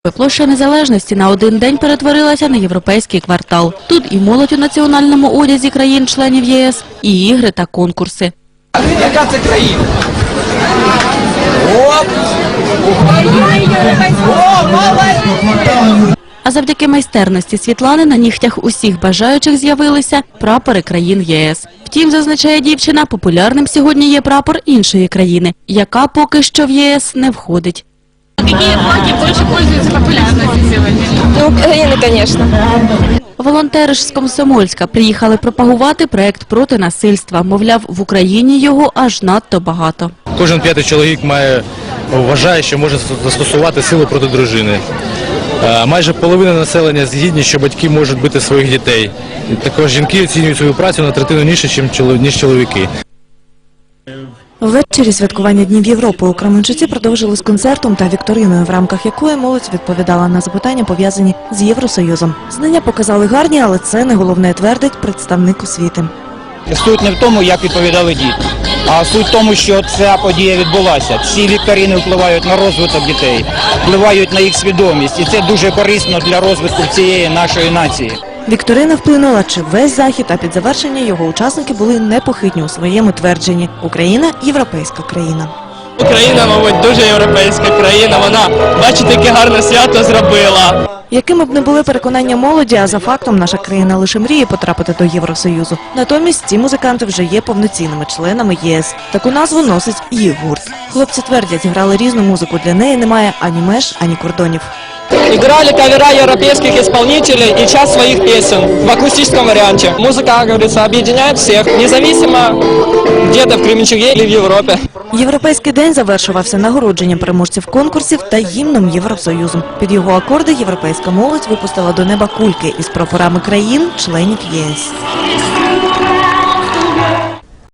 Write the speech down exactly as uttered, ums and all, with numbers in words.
Площа Незалежності на один день перетворилася на європейський квартал. Тут і молодь у національному одязі країн-членів ЄС, і ігри та конкурси. Яка це країна? Оп! О, молодець! А завдяки майстерності Світлани на нігтях усіх бажаючих з'явилися прапори країн єс. Втім, зазначає дівчина, популярним сьогодні є прапор іншої країни, яка поки що в ЄС не входить. Какие флаги больше пользуются популярностью сегодня? Ну, Украина, конечно. Волонтери ж з Комсомольська приїхали пропагувати проект проти насильства. Мовляв, в Україні його аж надто багато. Кожен п'ятий чоловік має, вважає, що може застосувати силу проти дружини. Майже половина населення згідні, що батьки можуть бити своїх дітей. Також жінки оцінюють свою працю на третину нижче, ніж чоловіки. Ввечері святкування Днів Європи у Кременчуці продовжили з концертом та вікториною, в рамках якої молодь відповідала на запитання, пов'язані з Євросоюзом. Знання показали гарні, але це не головне, твердить представник освіти. Суть не в тому, як відповідали діти, а суть в тому, що ця подія відбулася. Ці вікторини впливають на розвиток дітей, впливають на їх свідомість, і це дуже корисно для розвитку цієї нашої нації. Вікторина вплинула чи весь захід, а під завершення його учасники були непохитні у своєму твердженні. Україна – європейська країна. Україна, мабуть, дуже європейська країна. Вона, бачите, яке гарне свято зробила. Якими б не були переконання молоді, а за фактом наша країна лише мріє потрапити до Євросоюзу. Натомість ці музиканти вже є повноцінними членами ЄС. Таку назву носить їх гурт. Хлопці твердять, грали різну музику, для неї немає ані меж, ані кордонів. Играли кавера европейских исполнителей и часть своих песен в акустическом варианте. Музыка, как говорится, объединяет всех, независимо где-то в Кременчуге или в Европе. Європейський день завершувався нагородженням переможців конкурсів та гімном Євросоюзу. Під його акорди європейська молодь випустила до неба кульки із прапорами країн-членів ЄС.